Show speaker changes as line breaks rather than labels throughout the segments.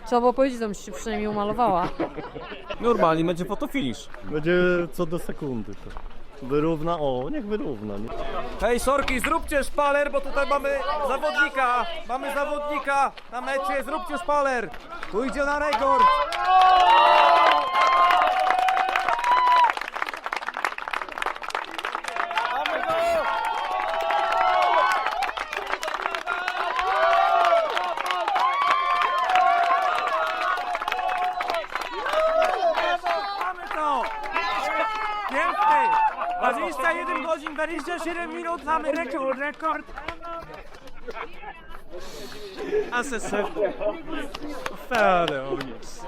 Trzeba było powiedzieć, że się przynajmniej umalowała.
Normalnie będzie fotofinish.
Będzie co do sekundy to. Wyrówna, o, niech wyrówna. Nie?
Hej, sorki, zróbcie szpaler, bo tutaj mamy zawodnika. Mamy zawodnika na mecie, zróbcie szpaler. Tu idzie na rekord. Mamy to! Piękny! 21 godzin, 27 minut, mamy rekord! Asesor. Fale, o nic.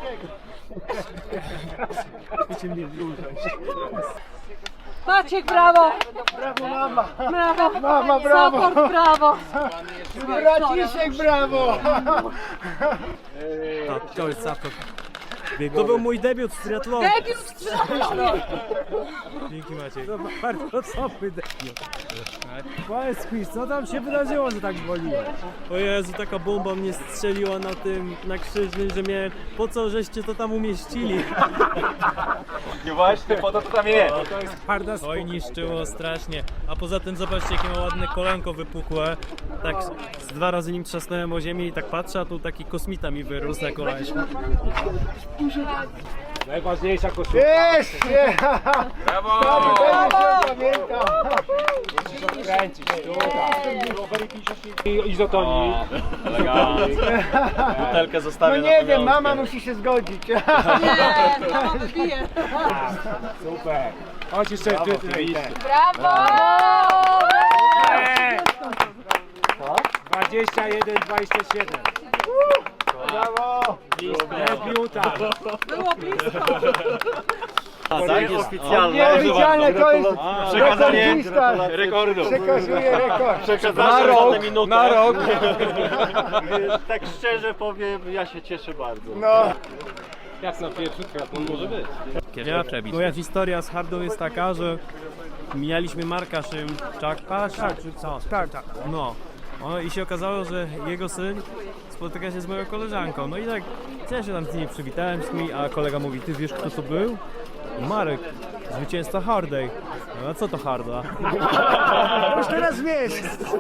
Maciek, brawo!
Brawo mama!
Brawo!
Mama, brawo!
Support, brawo!
Braciszek, brawo!
To jest support. To był mój debiut w triatlonie.
Debiut w triatlonie!
Dzięki Maciej. To bardzo słabny debiut. Powiedz mi, co tam się wydarzyło, że tak boliłeś? O Jezu, taka bomba mnie strzeliła na krzyżnym, że mnie, po co żeście to tam umieścili?
Nie właśnie, po to tam jest.
To jest twarda. Oj, niszczyło strasznie. A poza tym zobaczcie, jakie ma ładne kolanko wypukłe. Tak z 2 razy nim trzasnąłem o ziemię i tak patrzę, a tu taki kosmita mi wyrósł na kolanku.
Najważniejsza koszulka.
Jest!
Brawo!
Pamiętam!
Kręcić, i izotonii.
Butelkę
No
zostawię na
nie wiem,
pamiątkę.
mama musi się zgodzić.
Nie, mama wybije.
Super. Chodź jeszcze
Brawo!
21-27.
Brawo!
Debiuta.
Było blisko.
Tak jest oficjalne.
Nieoficjalne to jest
Przekazanie
rekordzista.
rekordu.
Przekazuje rekord.
Przepraszam za tę minutę.
Na rok.
Tak szczerze powiem, ja się cieszę bardzo.
No.
Jak na pierwszy triatlon może być.
Moja historia z Hardą jest taka, że mijaliśmy Marka Szymczaka, czy co? Tak. No. I się okazało, że jego syn spotyka się z moją koleżanką. No i tak ja się tam z nimi przywitałem z nimi, a kolega mówi, ty wiesz kto to był? Marek, zwycięzca Hardej. No a co to Harda?
Już teraz wiesz.